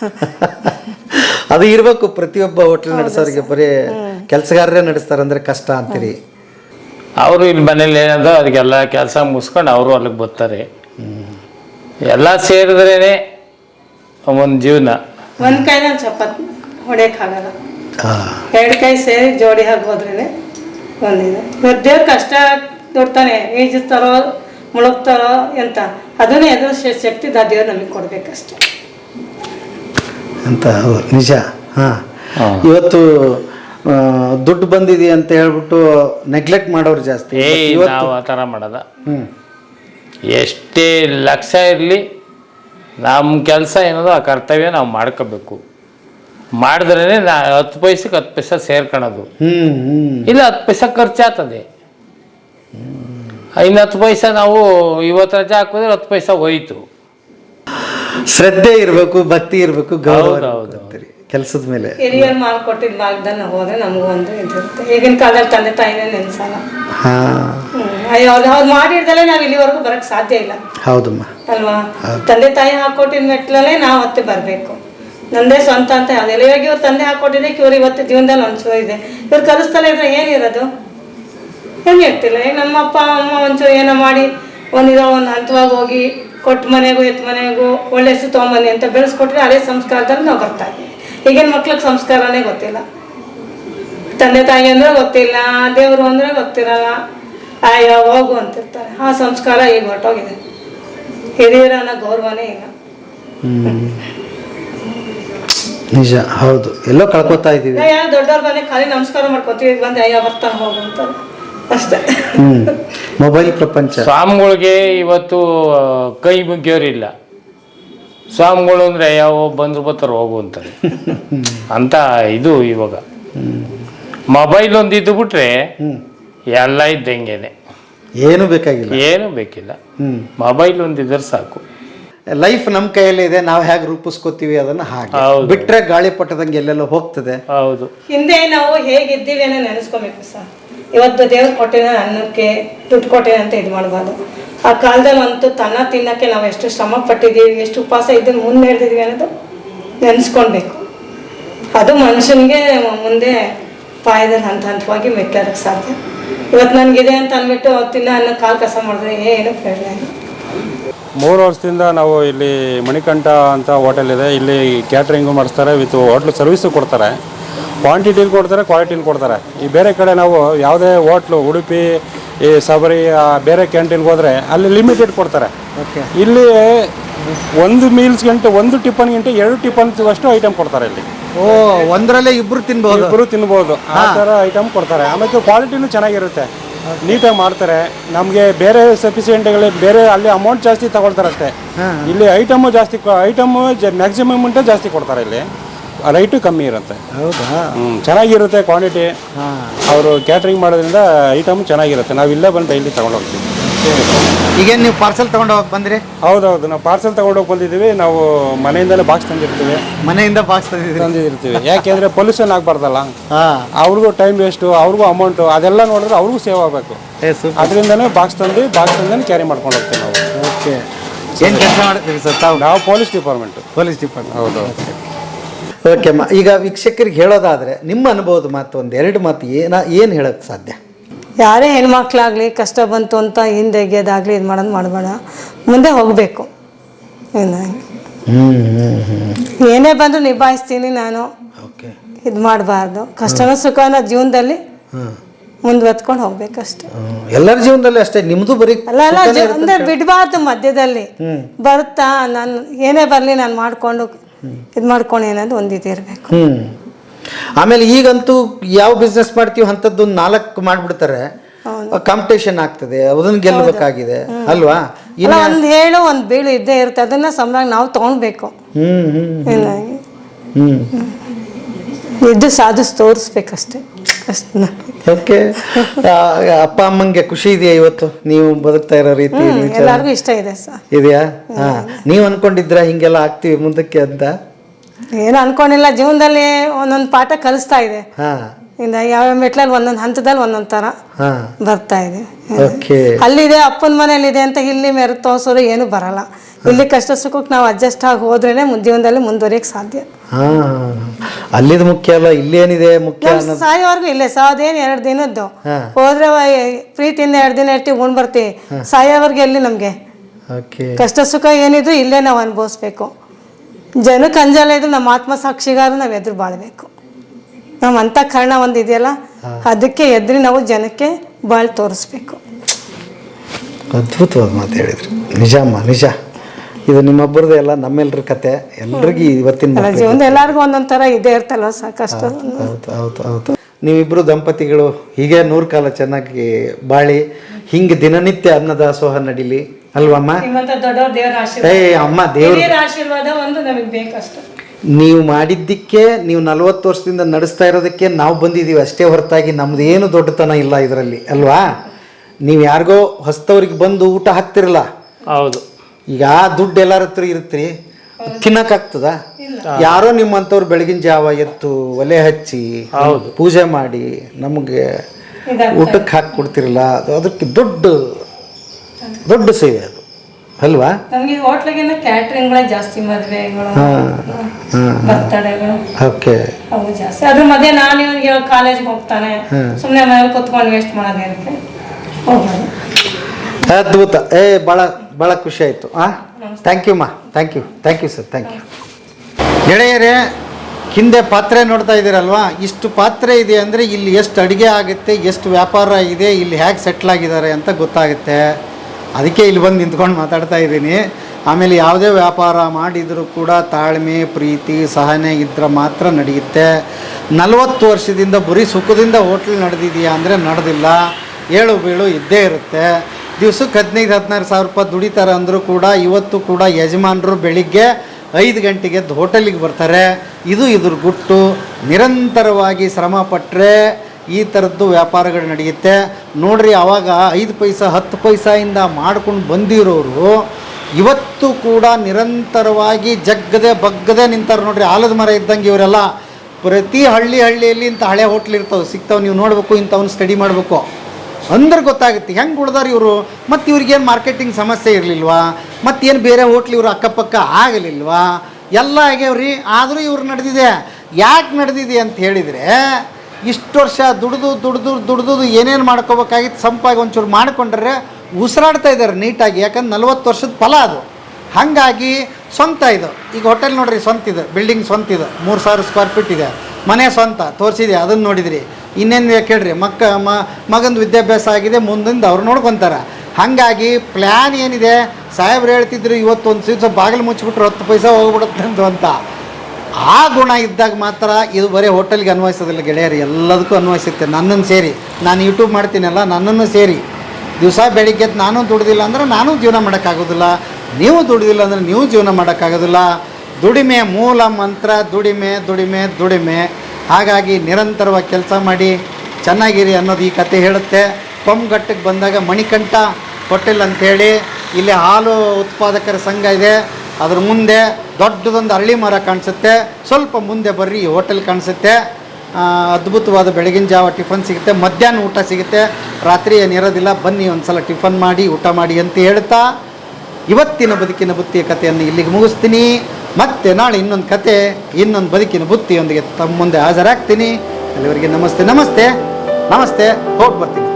ಅದು ಇರಬೇಕು ಪ್ರತಿಯೊಬ್ಬ ಹೋಟ್ಲ್ ನಡೆಸೋರಿಗೆ. ಬರೀ ಕೆಲಸಗಾರರೇ ನಡೆಸ್ತಾರೆ ಅಂದ್ರೆ ಕಷ್ಟ ಅಂತೀರಿ.
ಅವರು ಇಲ್ಲಿ ಮನೇಲಿ ಏನಂದ್ರೆ ಅದಕ್ಕೆಲ್ಲ ಕೆಲಸ ಮುಗಿಸ್ಕೊಂಡು ಅವರು ಅಲ್ಲಿಗೆ ಬರ್ತಾರೆ. ಎಲ್ಲ ಸೇರಿದ್ರೇ ಒಂದು ಜೀವನ.
ಒಂದ್ ಕೈನಲ್ಲಿ ಚಪಾತಿ ಹೊಡೆಯಕ್ಕಾಗಲ್ಲ,
ಹಾಂ.
ಎರಡು ಕೈ ಸೇರಿ ಜೋಡಿ ಹಾಕ್ಬೋದ್ರೇನೆ ಒಂದಿದೆ. ಇವತ್ತು ದೇವ್ರ ಕಷ್ಟ ದೊಡ್ತಾನೆ, ಈಜುತ್ತಾರೋ ಮುಳುಗ್ತಾರೋ ಎಂತ ಅದನ್ನೇ ಎದುರಿಸೋ ಶಕ್ತಿ ಆ ದೇವ್ರು ನಮಗೆ ಕೊಡ್ಬೇಕಷ್ಟೆ
ಅಂತ. ಹೌದು, ನಿಜ. ಹಾಂ. ಇವತ್ತು ಆ, ದುಡ್ಡು ಬಂದಿದೆ ಅಂತ ಹೇಳ್ಬಿಟ್ಟು ನೆಗ್ಲೆಕ್ಟ್ ಮಾಡೋರು ಜಾಸ್ತಿ.
ಏ
ಇವತ್ತು
ನಾವು ಆ ಥರ ಮಾಡೋದ.
ಹ್ಞೂ.
ಎಷ್ಟೇ ಲಕ್ಷ ಇರಲಿ, ನಮ್ಮ ಕೆಲಸ ಏನದೋ ಆ ಕರ್ತವ್ಯ ನಾವು ಮಾಡ್ಕೋಬೇಕು. ಮಾಡಿದ್ರೇ ನಾ ಹತ್ತು ಪೈಸೆಗೆ ಹತ್ತು ಪೈಸೆ ಸೇರ್ಕೊಳೋದು.
ಹ್ಞೂ ಹ್ಞೂ
ಇಲ್ಲ ಹತ್ತು ಪೈಸೆ ಖರ್ಚಾಗ್ತದೆ. ಇನ್ನು ಹತ್ತು ಪೈಸೆ ನಾವು ಇವತ್ತು ರಜೆ ಹಾಕಿದ್ರೆ ಹತ್ತು ಪೈಸೆ ಹೋಯ್ತು.
ಶ್ರದ್ಧೆ ಇರಬೇಕು, ಭಕ್ತಿ ಇರಬೇಕು, ಗೌರವ
ಹೌದು, ಹೌದು,
ಇರ್ಬೇಕು ಕೆಲಸದ ಮೇಲೆ.
ಹಿರಿಯರು ಮಾಡ್ಕೊಟ್ಟಿದ್ದ ಭಾಗದಲ್ಲಿ ಹೋದ್ರೆ ನಮಗೂ ಒಂದು ಇದಿರುತ್ತೆ. ಈಗಿನ ಕಾಲದಲ್ಲಿ ತಂದೆ ತಾಯಿನೇ ನೆನ್ಸಲ್ಲ.
ಹಾಂ.
ಅಯ್ಯೋ ಅವ್ರು ಅವ್ರು ಮಾಡಿರ್ದಲ್ಲೇ ನಾವು ಇಲ್ಲಿವರೆಗೂ ಬರಕ್ ಸಾಧ್ಯ ಇಲ್ಲ
ಹೌದಮ್ಮ.
ಅಲ್ವಾ? ತಂದೆ ತಾಯಿ ಹಾಕೊಟ್ಟಿದ ಮೆಟ್ಲಲ್ಲೇ ನಾವು ಹತ್ತೆ ಬರಬೇಕು. ನಂದೇ ಸ್ವಂತ ಅಂತ ಯಾವುದಿಲ್ಲ. ಇವಾಗ ಇವ್ರು ತಂದೆ ಹಾಕೊಟ್ಟಿದ್ದಕ್ಕೆ ಇವ್ರು ಇವತ್ತು ಜೀವನದಲ್ಲಿ ಒಂಚೂರು ಇದೆ. ಇವ್ರು ಕಲಿಸ್ತಲೇ ಇದ್ರೆ ಏನಿರೋದು? ಹೆಂಗೆ ಇರ್ತಿಲ್ಲ. ಈಗ ನಮ್ಮ ಅಪ್ಪ ಅಮ್ಮ ಒಂಚೂರು ಏನೋ ಮಾಡಿ ಒಂದಿರೋ ಒಂದು ಹಂತವಾಗಿ ಹೋಗಿ ಕೊಟ್ಟು ಮನೆಗೂ ಎತ್ತು ಮನೆಗೂ ಒಳ್ಳೆ ಹೆಸರು ತೊಗೊಂಬನ್ನಿ ಅಂತ ಬೆಳೆಸ್ಕೊಟ್ರೆ ಅದೇ ಸಂಸ್ಕಾರದಲ್ಲಿ ನಾವು ಬರ್ತಾ ಇದ್ದೀವಿ. ಈಗಿನ ಮಕ್ಳಿಗೆ ಸಂಸ್ಕಾರನೇ ಗೊತ್ತಿಲ್ಲ, ತಂದೆ ತಾಯಿ ಅಂದ್ರೆ ಗೊತ್ತಿಲ್ಲ, ದೇವರು ಅಂದ್ರೆ ಗೊತ್ತಿರಲ್ಲ. ಅಯ್ಯೋ ಹೋಗು ಅಂತಿರ್ತಾರೆ. ಆ ಸಂಸ್ಕಾರ ಈಗ ಹೊರಟೋಗಿದೆ. ಹಿರಿಯರ ಅನ್ನೋ ಗೌರವನೇ ಇಲ್ಲ.
ನಿಜ. ಹೌದು, ಎಲ್ಲೋ ಕಳ್ಕೊತಾ ಇದ್ದೀವಿ.
ಯಾರು ದೊಡ್ಡವ್ರ ಮನೆ ಖಾಲಿ ನಮಸ್ಕಾರ ಮಾಡ್ಕೊತೀವಿ, ಈಗ ಬಂದು ಅಯ್ಯ ಬರ್ತಾನೆ ಹೋಗು ಅಂತಾರೆ ಅಷ್ಟೇ.
ಹ್ಮ್. ಮೊಬೈಲ್ ಪ್ರಪಂಚ.
ಸ್ವಾಮಿಗಳಿಗೆ ಇವತ್ತು ಕೈ ಮುಗಿಯೋರಿಲ್ಲ. ಸ್ವಾಮಿಗಳು ಅಂದರೆ ಯಾವ ಬಂದ್ರು ಬರ್ತಾರೆ ಹೋಗು ಅಂತಾರೆ ಅಂತ ಇದು ಇವಾಗ. ಮೊಬೈಲ್ ಒಂದು ಇದ್ದು ಬಿಟ್ರೆ ಎಲ್ಲ ಇದ್ದಂಗೆನೆ,
ಏನು ಬೇಕಾಗಿಲ್ಲ,
ಏನು ಬೇಕಿಲ್ಲ.
ಹ್ಮ್.
ಮೊಬೈಲ್ ಒಂದಿದ್ರೆ ಸಾಕು.
ಲೈಫ್ ನಮ್ಮ ಕೈಯಲ್ಲೇ ಇದೆ, ನಾವು ಹೇಗೆ ರೂಪಿಸ್ಕೋತೀವಿ ಅದನ್ನ ಹಾಗೆ
ಹೌದು.
ಬಿಟ್ರೆ ಗಾಳಿಪಟದಂಗೆ ಎಲ್ಲೆಲ್ಲೋ ಹೋಗ್ತದೆ.
ಹೌದು.
ಹಿಂದೆ ನಾವು ಹೇಗಿದ್ದೀವಿ ಅನ್ನೋ ನೆನೆಸ್ಕೊಬೇಕು ಸರ್. ಇವತ್ತು ದೇವ್ರು ಕೊಟ್ಟಿನ ಅನ್ನಕ್ಕೆ ದುಡ್ಡು ಕೊಟ್ಟಿನ ಅಂತ ಇದು ಮಾಡ್ಬಾರ್ದು. ಆ ಕಾಲದಲ್ಲಿ ಅಂತೂ ತನ್ನ ತಿನ್ನಕ್ಕೆ ನಾವು ಎಷ್ಟು ಶ್ರಮ ಪಟ್ಟಿದ್ದೀವಿ, ಎಷ್ಟು ಉಪವಾಸ ಇದ್ದು ಮುಂದೆ ಹಿಡ್ದಿದ್ವಿ ಅನ್ನೋದು ನೆನೆಸ್ಕೊಳ್ಬೇಕು. ಅದು ಮನುಷ್ಯನಿಗೆ ಮುಂದೆ ಪಾಯದಲ್ಲಿ ಹಂತ ಹಂತವಾಗಿ ಮೆಟ್ಲೋದಕ್ಕೆ ಸಾಧ್ಯ. ಇವತ್ತು ನನಗಿದೆ ಅಂತ ಅಂದ್ಬಿಟ್ಟು ತಿನ್ನ ಅನ್ನೋ ಕಾಲು ಕಸ ಮಾಡಿದ್ರೆ ಏನು ಪ್ರಯೋಜನ ಇಲ್ಲ.
ಮೂರು ವರ್ಷದಿಂದ ನಾವು ಇಲ್ಲಿ ಮಣಿಕಂಠ ಅಂತ ಹೋಟೆಲ್ ಇದೆ, ಇಲ್ಲಿ ಕ್ಯಾಟ್ರಿಂಗು ಮಾಡಿಸ್ತಾರೆ, ವಿತ್ ಹೋಟ್ಲು ಸರ್ವಿಸು ಕೊಡ್ತಾರೆ, ಕ್ವಾಂಟಿಟಿಲಿ ಕೊಡ್ತಾರೆ, ಕ್ವಾಲಿಟಿಲಿ ಕೊಡ್ತಾರೆ. ಈ ಬೇರೆ ಕಡೆ ನಾವು ಯಾವುದೇ ಹೋಟ್ಲು ಉಡುಪಿ ಈ ಸಬರಿ ಆ ಬೇರೆ ಕ್ಯಾಂಟೀನ್ಗೆ ಹೋದರೆ ಅಲ್ಲಿ ಲಿಮಿಟೆಡ್ ಕೊಡ್ತಾರೆ. ಇಲ್ಲಿ ಒಂದು ಮೀಲ್ಸ್ ಗಂಟೆ ಒಂದು ಟಿಫನ್ ಗಂಟೆ ಎರಡು ಟಿಫನ್ ಅಷ್ಟು ಐಟಮ್ ಕೊಡ್ತಾರೆ ಇಲ್ಲಿ.
ಓ, ಒಂದರಲ್ಲೇ ಇಬ್ರು ತಿನ್ಬಹುದು.
ಇಬ್ಬರು ತಿನ್ಬೋದು ಆ ಥರ ಐಟಮ್ ಕೊಡ್ತಾರೆ. ಆಮೇಲೆ ಕ್ವಾಲಿಟಿನೂ ಚೆನ್ನಾಗಿರುತ್ತೆ, ನೀಟಾಗಿ ಮಾಡ್ತಾರೆ. ನಮಗೆ ಬೇರೆ ಸಫಿಸಿಯೆಂಟ್ಗಳು ಬೇರೆ ಅಲ್ಲಿ ಅಮೌಂಟ್ ಜಾಸ್ತಿ ತಗೊಳ್ತಾರೆ ಅಷ್ಟೇ. ಇಲ್ಲಿ ಐಟಮು ಜಾಸ್ತಿ ಐಟಮು ಮ್ಯಾಕ್ಸಿಮಮ್ ಉಂಟೆ ಜಾಸ್ತಿ ಕೊಡ್ತಾರೆ, ಇಲ್ಲಿ ರೈಟು ಕಮ್ಮಿ ಇರುತ್ತೆ.
ಹೌದಾ?
ಹ್ಞೂ, ಚೆನ್ನಾಗಿರುತ್ತೆ ಕ್ವಾಂಟಿಟಿ. ಅವರು ಕ್ಯಾಟ್ರಿಂಗ್ ಮಾಡೋದ್ರಿಂದ ಐಟಮ್ ಚೆನ್ನಾಗಿರುತ್ತೆ. ನಾವು ಇಲ್ಲೇ ಬಂದು ಡೈಲಿ ತೊಗೊಂಡು ಹೋಗ್ತೀವಿ.
ಈಗ ನೀವು ಪಾರ್ಸೆಲ್ ತೊಗೊಂಡು ಹೋಗಿ ಬಂದ್ರಿ?
ಹೌದೌದು, ನಾವು ಪಾರ್ಸೆಲ್ ತೊಗೊಂಡೋಗಿ ಬಂದಿದ್ದೀವಿ. ನಾವು ಮನೆಯಿಂದಲೇ ಬಾಕ್ಸ್ ತಂದಿರ್ತೀವಿ.
ಮನೆಯಿಂದ ಬಾಕ್ಸ್ ತಂದಿದ್ದೀವಿ
ತಂದಿರ್ತೀವಿ ಯಾಕೆಂದರೆ ಪೊಲ್ಯೂಷನ್ ಆಗಬಾರ್ದಲ್ಲ.
ಹಾಂ,
ಅವ್ರಿಗೂ ಟೈಮ್ ವೇಸ್ಟು, ಅವ್ರಿಗೂ ಅಮೌಂಟು, ಅದೆಲ್ಲ ನೋಡಿದ್ರೆ ಅವ್ರಿಗೂ ಸೇವ್ ಆಗಬೇಕು. ಅದರಿಂದನೇ ಬಾಕ್ಸ್ ತಂದು ಬಾಕ್ಸ್ ತಂದೇ ಕ್ಯಾರಿ ಮಾಡ್ಕೊಂಡು ಹೋಗ್ತೀವಿ ನಾವು.
ಓಕೆ. ಏನು ಕೆಲಸ ಮಾಡ್ತೀವಿ ಸರ್ ತಾವು?
ನಾವು ಪೊಲೀಸ್ ಡಿಪಾರ್ಟ್ಮೆಂಟು.
Police department.
ಹೌದು.
ಓಕೆ ಅಮ್ಮ, ಈಗ ವೀಕ್ಷಕರಿಗೆ ಹೇಳೋದಾದರೆ ನಿಮ್ಮ ಅನುಭವದ ಮಾತು ಒಂದು ಎರಡು ಮಾತು ಏನ ಏನು ಹೇಳೋಕ್ಕೆ ಸಾಧ್ಯ?
ಯಾರೇ ಹೆಣ್ಮಕ್ಳಾಗಲಿ ಕಷ್ಟ ಬಂತು ಅಂತ ಹಿಂದೆಗೆಯೋದಾಗಲಿ ಇದು ಮಾಡೋದು ಮಾಡಬೇಡ, ಮುಂದೆ ಹೋಗಬೇಕು. ಏನೇ ಬಂದರೂ ನಿಭಾಯಿಸ್ತೀನಿ ನಾನು,
ಓಕೆ.
ಇದು ಮಾಡಬಾರ್ದು. ಕಷ್ಟನೋ ಸುಖನ ಜೀವನದಲ್ಲಿ ಮುಂದುವರ್ತ್ಕೊಂಡು ಹೋಗ್ಬೇಕಷ್ಟೆ.
ಎಲ್ಲರ ಜೀವನದಲ್ಲಿ ಅಷ್ಟೇ, ನಿಮ್ಮದು ಬರೀ
ಅಲ್ಲ ಅಲ್ಲ ಜೀವನದ ಬಿಡಬಾರ್ದು. ಮಧ್ಯದಲ್ಲಿ ಬರುತ್ತಾ ನಾನು ಏನೇ ಬರಲಿ ನಾನು ಮಾಡಿಕೊಂಡು ಇದು ಮಾಡ್ಕೊಂಡು ಏನಾದ್ರು ಒಂದು ಇದು ಇರಬೇಕು.
ಹ್ಞೂ. ಆಮೇಲೆ ಈಗಂತೂ ಯಾವ ಬಿಸ್ನೆಸ್ ಮಾಡ್ತೀವಿ ಅಂಥದ್ದು ನಾಲ್ಕು ಮಾಡಿಬಿಡ್ತಾರೆ, ಕಾಂಪಿಟೇಷನ್ ಆಗ್ತದೆ, ಅದನ್ನು ಗೆಲ್ಲಬೇಕಾಗಿದೆ ಅಲ್ವಾ?
ಇಲ್ಲ, ಒಂದು ಹೇಳು ಒಂದು ಬೀಳು ಇದ್ದೇ ಇರುತ್ತೆ, ಅದನ್ನ ಸಮಾನ ನಾವು ತಗೊಳ್ಬೇಕು.
ಹ್ಮ್ ಹ್ಮ್ ಹ್ಮ್
ಇದ್ದು ಸಾಧಿಸಿ ತೋರಿಸ್ಬೇಕಷ್ಟೇ ಅಷ್ಟೇ.
ಓಕೆ. ಅಪ್ಪ ಅಮ್ಮಂಗೆ ಖುಷಿ ಇದೆಯಾ ಇವತ್ತು ನೀವು ಬದುಕ್ತಾ ಇರೋ ರೀತಿ?
ಎಲ್ಲರಿಗೂ ಇಷ್ಟ ಇದೆ ಸರ್.
ಇದೆಯಾ? ಹಾ, ನೀವು ಅನ್ಕೊಂಡಿದ್ರ ಹಿಂಗೆಲ್ಲ ಆಗ್ತೀವಿ ಮುಂದಕ್ಕೆ ಅಂತ?
ಏನು ಅನ್ಕೊಂಡಿಲ್ಲ, ಜೀವನದಲ್ಲಿ ಒಂದೊಂದು ಪಾಠ ಕಲಿಸ್ತಾ ಇದೆ.
ಹಾ,
ಇಂದ ಯಾವ ಮೆಟ್ಲಲ್ಲಿ ಒಂದೊಂದು ಹಂತದಲ್ಲಿ ಒಂದೊಂದು ಥರ ಬರ್ತಾ ಇದೆ.
ಓಕೆ.
ಅಲ್ಲಿದೆ ಅಪ್ಪನ ಮನೇಲಿದೆ ಅಂತ ಇಲ್ಲಿ ಮೆರೆ ತೋರ್ಸೋರು ಏನು ಬರಲ್ಲ. ಇಲ್ಲಿ ಕಷ್ಟ ಸುಖಕ್ಕೆ ನಾವು ಅಡ್ಜಸ್ಟ್ ಆಗಿ ಹೋದ್ರೇನೆ ಜೀವನದಲ್ಲಿ ಮುಂದುವರಿಯಕ್ಕೆ ಸಾಧ್ಯ.
ಹಾ, ಅಲ್ಲಿದು ಮುಖ್ಯ ಅಲ್ಲ, ಇಲ್ಲೇನಿದೆ ಮುಖ್ಯ.
ಸಾಯೋವರೆಗೂ ಇಲ್ಲೇ ಸಾಯೋದೇನು ಎರಡು ದಿನದ್ದು, ಹೋದ್ರೆ ಪ್ರೀತಿಯಿಂದ ಎರಡು ದಿನ ಇರ್ತೀವಿ, ಉಣ್ ಬರ್ತೀವಿ. ಸಾಯೋವರೆಗೆ ಎಲ್ಲಿ ನಮಗೆ ಕಷ್ಟ ಸುಖ ಏನಿದ್ರು ಇಲ್ಲೇ ನಾವು ಅನುಭವಿಸ್ಬೇಕು. ಜನಕ್ಕೆ ಅಂಜಲ್ಲ ಇದ್ರು ನಮ್ಮ ಆತ್ಮ ಸಾಕ್ಷಿಗಾರು ನಾವು ಎದುರು ಬಾಳ್ಬೇಕು. ನಮ್ಮ ಅಂತಃಕರಣ ಒಂದು ಇದೆಯಲ್ಲ, ಅದಕ್ಕೆ ಎದುರಿ ನಾವು ಜನಕ್ಕೆ ಬಾಳ್ ತೋರಿಸ್ಬೇಕು.
ಅದ್ಭುತವಾದ ಮಾತು ಹೇಳಿದ್ರಿ. ನಿಜ ಅಮ್ಮ, ನಿಜ. ಇದು ನಿಮ್ಮೊಬ್ಬರದೇ ಎಲ್ಲ, ನಮ್ಮೆಲ್ಲರ ಕತೆ. ಎಲ್ರಿಗೂ ಇವತ್ತಿನ
ಜೀವನ ಎಲ್ಲರಿಗೂ ಒಂದೊಂದು ಥರ ಇದೇ ಇರ್ತಲ್ವ ಸಾಕಷ್ಟು.
ಹೌದು ಹೌದು ಹೌದು. ನೀವಿಬ್ಬರು ದಂಪತಿಗಳು ಹೀಗೆ ನೂರು ಕಾಲ ಚೆನ್ನಾಗಿ ಬಾಳಿ, ಹಿಂಗೆ ದಿನನಿತ್ಯ ಅನ್ನದಾಸೋಹ ನಡೀಲಿ ಅಲ್ವಮ್ಮ?
ದೊಡ್ಡವ್ರ ದೇವರ
ಏ ಅಮ್ಮ, ದೇವ್ರ
ಆಶೀರ್ವಾದ ಒಂದು ನಮಗೆ ಬೇಕಷ್ಟು.
ನೀವು ಮಾಡಿದ್ದಕ್ಕೆ, ನೀವು ನಲ್ವತ್ತು ವರ್ಷದಿಂದ ನಡೆಸ್ತಾ ಇರೋದಕ್ಕೆ ನಾವು ಬಂದಿದ್ದೀವಿ ಅಷ್ಟೇ ಹೊರತಾಗಿ ನಮ್ದು ಏನು ದೊಡ್ಡತನ ಇಲ್ಲ ಇದರಲ್ಲಿ ಅಲ್ವಾ? ನೀವು ಯಾರಿಗೋ ಹೊಸ್ತವ್ರಿಗೆ ಬಂದು ಊಟ ಹಾಕ್ತಿರಲ್ಲ.
ಹೌದು.
ಈಗ ಆ ದುಡ್ಡು ಎಲ್ಲರ ಹತ್ರ ಇರುತ್ತೆ, ತಿನ್ನಕ್ಕಾಗ್ತದ? ಯಾರೋ ನಿಮ್ಮಂಥವ್ರು ಬೆಳಗಿನ ಜಾವ ಎತ್ತು ಒಲೆ ಹಚ್ಚಿ ಪೂಜೆ ಮಾಡಿ ನಮಗೆ ಊಟಕ್ಕೆ ಹಾಕಿ ಕೊಡ್ತಿರಲ್ಲ, ಅದು ಅದಕ್ಕೆ ದೊಡ್ಡ ದೊಡ್ಡ ಸೇವೆ ಅದು ಅಲ್ವಾ?
ನಮಗೆ ಹೋಟ್ಲಿಗಿನ್ನ ಕ್ಯಾಟ್ರಿಂಗ್ಗಳೇ ಜಾಸ್ತಿ, ಮದುವೆಗಳು, ಬರ್ತಡೆಗಳು,
ಓಕೆ,
ಅವು ಜಾಸ್ತಿ. ಅದ್ರ ಮಧ್ಯೆ ನಾನು ಇವನಿಗೆ ಕಾಲೇಜ್ಗೆ ಹೋಗ್ತಾನೆ, ಸುಮ್ಮನೆ ಮನೇಲಿ ಕುತ್ಕೊಂಡು ವೇಸ್ಟ್ ಮಾಡೋದೇನಕ್ಕೆ ಹೋಗೋದು.
ಅದ್ಭುತ. ಏ ಭಾಳ ಭಾಳ ಖುಷಿ ಆಯಿತು. ಹಾಂ, ಥ್ಯಾಂಕ್ ಯು ಮಾ, thank you thank you sir, thank you. ಗೆಳೆಯರೇ, ಹಿಂದೆ ಪಾತ್ರೆ ನೋಡ್ತಾ ಇದ್ದೀರಲ್ವಾ? ಇಷ್ಟು ಪಾತ್ರೆ ಇದೆ ಅಂದರೆ ಇಲ್ಲಿ ಎಷ್ಟು ಅಡುಗೆ ಆಗುತ್ತೆ, ಎಷ್ಟು ವ್ಯಾಪಾರ ಇದೆ, ಇಲ್ಲಿ ಹೇಗೆ ಸೆಟ್ಲ್ ಆಗಿದ್ದಾರೆ ಅಂತ ಗೊತ್ತಾಗುತ್ತೆ. ಅದಕ್ಕೆ ಇಲ್ಲಿ ಬಂದು ನಿಂತ್ಕೊಂಡು ಮಾತಾಡ್ತಾ ಇದ್ದೀನಿ. ಆಮೇಲೆ ಯಾವುದೇ ವ್ಯಾಪಾರ ಮಾಡಿದರೂ ಕೂಡ ತಾಳ್ಮೆ, ಪ್ರೀತಿ, ಸಹನೆ ಇದ್ದರೆ ಮಾತ್ರ ನಡೆಯುತ್ತೆ. ನಲವತ್ತು ವರ್ಷದಿಂದ ಬರೀ ಸುಖದಿಂದ ಹೋಟ್ಲ್ ನಡೆದಿದೆಯಾ ಅಂದರೆ ನಡೆದಿಲ್ಲ. ಏಳು ಬೀಳು ಇದ್ದೇ ಇರುತ್ತೆ. ದಿವ್ಸಕ್ಕೆ ಹದಿನೈದು ಹದಿನಾರು ಸಾವಿರ ರೂಪಾಯಿ ದುಡಿತಾರೆ ಅಂದರೂ ಕೂಡ ಇವತ್ತು ಕೂಡ ಯಜಮಾನರು ಬೆಳಿಗ್ಗೆ ಐದು ಗಂಟೆಗೆ ಎದ್ದು ಹೋಟೆಲಿಗೆ ಬರ್ತಾರೆ. ಇದು ಇದ್ರ ಗುಟ್ಟು. ನಿರಂತರವಾಗಿ ಶ್ರಮ ಪಟ್ಟರೆ ಈ ಥರದ್ದು ವ್ಯಾಪಾರಗಳು ನಡೆಯುತ್ತೆ. ನೋಡ್ರಿ, ಆವಾಗ ಐದು ಪೈಸಾ ಹತ್ತು ಪೈಸಾಯಿಂದ ಮಾಡ್ಕೊಂಡು ಬಂದಿರೋರು ಇವತ್ತು ಕೂಡ ನಿರಂತರವಾಗಿ ಜಗ್ಗದೆ ಬಗ್ಗದೆ ನಿಂತಾರೆ ನೋಡ್ರಿ. ಆಲದ ಮರ ಇದ್ದಂಗೆ ಇವರೆಲ್ಲ. ಪ್ರತಿ ಹಳ್ಳಿ ಹಳ್ಳಿಯಲ್ಲಿ ಇಂಥ ಹಳೆ ಹೋಟ್ಲ್ ಇರ್ತಾವೆ, ಸಿಗ್ತಾವೆ. ನೀವು ನೋಡಬೇಕು, ಇಂಥವನ್ನ ಸ್ಟಡಿ ಮಾಡಬೇಕು ಅಂದ್ರೆ ಗೊತ್ತಾಗುತ್ತೆ ಹೆಂಗೆ ಉಳ್ದಾರೆ ಇವರು. ಮತ್ತು ಇವ್ರಿಗೇನು ಮಾರ್ಕೆಟಿಂಗ್ ಸಮಸ್ಯೆ ಇರಲಿಲ್ವಾ? ಮತ್ತೇನು ಬೇರೆ ಹೋಟ್ಲ್ ಇವರು ಅಕ್ಕಪಕ್ಕ ಆಗಲಿಲ್ವಾ? ಎಲ್ಲ ಆಗ್ಯಾವ್ರಿ. ಆದರೂ ಇವ್ರು ನಡೆದಿದೆ. ಯಾಕೆ ನಡೆದಿದೆ ಅಂತ ಹೇಳಿದರೆ, ಇಷ್ಟು ವರ್ಷ ದುಡ್ದು ದುಡ್ದು ದುಡ್ದು ಏನೇನು ಮಾಡ್ಕೋಬೇಕಾಗಿತ್ತು ಸಂಪಾಗಿ ಒಂಚೂರು ಮಾಡಿಕೊಂಡ್ರೆ ಉಸಿರಾಡ್ತಾ ಇದ್ದಾರೆ ನೀಟಾಗಿ. ಯಾಕಂದ್ರೆ ನಲ್ವತ್ತು ವರ್ಷದ ಫಲ ಅದು. ಹಾಗಾಗಿ ಸ್ವಂತ ಇದು. ಈಗ ಹೋಟೆಲ್ ನೋಡ್ರಿ, ಸ್ವಂತ ಇದೆ, ಬಿಲ್ಡಿಂಗ್ ಸ್ವಂತ ಇದೆ, ಮೂರು ಸಾವಿರ ಸ್ಕ್ವೇರ್ ಫೀಟ್ ಇದೆ, ಮನೆ ಸ್ವಂತ ತೋರಿಸಿದೆ, ಅದನ್ನು ನೋಡಿದ್ರಿ. ಇನ್ನೇನು ಕೇಳ್ರಿ, ಮಕ್ಕ ಮಗಂದು ವಿದ್ಯಾಭ್ಯಾಸ ಆಗಿದೆ, ಮುಂದಿಂದ ಅವ್ರು ನೋಡ್ಕೊತಾರೆ. ಹಾಗಾಗಿ ಪ್ಲ್ಯಾನ್ ಏನಿದೆ, ಸಾಹೇಬ್ರು ಹೇಳ್ತಿದ್ರು ಇವತ್ತು ಒಂದು ದಿವಸ ಬಾಗಿಲು ಮುಚ್ಚಿಬಿಟ್ರೆ ಹತ್ತು ಪೈಸೆ ಹೋಗ್ಬಿಡುತ್ತಂದು ಅಂತ. ಆ ಗುಣ ಇದ್ದಾಗ ಮಾತ್ರ ಇದು ಬರೀ ಹೋಟೆಲ್ಗೆ ಅನ್ವಯಿಸೋದಿಲ್ಲ ಗೆಳೆಯರು, ಎಲ್ಲದಕ್ಕೂ ಅನ್ವಯಿಸುತ್ತೆ. ನನ್ನನ್ನು ಸೇರಿ, ನಾನು ಯೂಟ್ಯೂಬ್ ಮಾಡ್ತೀನಲ್ಲ, ನನ್ನನ್ನು ಸೇರಿ ದಿವಸ ಬೆಳಿಗ್ಗೆ ನಾನು ದುಡ್ದಿಲ್ಲ ಅಂದರೆ ನಾನು ಜೀವನ ಮಾಡೋಕ್ಕಾಗೋದಿಲ್ಲ, ನೀವು ದುಡ್ದಿಲ್ಲ ಅಂದರೆ ನೀವು ಜೀವನ ಮಾಡೋಕ್ಕಾಗೋದಿಲ್ಲ. ದುಡಿಮೆ ಮೂಲ ಮಂತ್ರ, ದುಡಿಮೆ ದುಡಿಮೆ ದುಡಿಮೆ. ಹಾಗಾಗಿ ನಿರಂತರವಾಗಿ ಕೆಲಸ ಮಾಡಿ ಚೆನ್ನಾಗಿರಿ ಅನ್ನೋದು ಈ ಕತೆ ಹೇಳುತ್ತೆ. ಕೊಂಬಘಟ್ಟಕ್ಕೆ ಬಂದಾಗ ಮಣಿಕಂಠ ಹೋಟೆಲ್ ಅಂಥೇಳಿ ಇಲ್ಲಿ ಹಾಲು ಉತ್ಪಾದಕರ ಸಂಘ ಇದೆ. ಅದ್ರ ಮುಂದೆ ದೊಡ್ಡದೊಂದು ಅರಳಿ ಮರ ಕಾಣಿಸುತ್ತೆ. ಸ್ವಲ್ಪ ಮುಂದೆ ಬರ್ರಿ, ಈ ಹೋಟೆಲ್ ಕಾಣಿಸುತ್ತೆ. ಅದ್ಭುತವಾದ ಬೆಳಗಿನ ಜಾವ ಟಿಫನ್ ಸಿಗುತ್ತೆ, ಮಧ್ಯಾಹ್ನ ಊಟ ಸಿಗುತ್ತೆ, ರಾತ್ರಿ ಏನಿರೋದಿಲ್ಲ. ಬನ್ನಿ ಒಂದು ಸಲ ಟಿಫನ್ ಮಾಡಿ ಊಟ ಮಾಡಿ ಅಂತ ಹೇಳ್ತಾ ಇವತ್ತಿನ ಬದುಕಿನ ಬುತ್ತಿಯ ಕಥೆಯನ್ನು ಇಲ್ಲಿಗೆ ಮುಗಿಸ್ತೀನಿ. ಮತ್ತೆ ನಾಳೆ ಇನ್ನೊಂದು ಕತೆ, ಇನ್ನೊಂದು ಬದುಕಿನ ಬುತ್ತಿಯೊಂದಿಗೆ ತಮ್ಮ ಮುಂದೆ ಹಾಜರಾಗ್ತೀನಿ. ಅಲ್ಲಿವರೆಗೆ ನಮಸ್ತೆ ನಮಸ್ತೆ ನಮಸ್ತೆ. ಹೋಗಿ ಬರ್ತೀನಿ.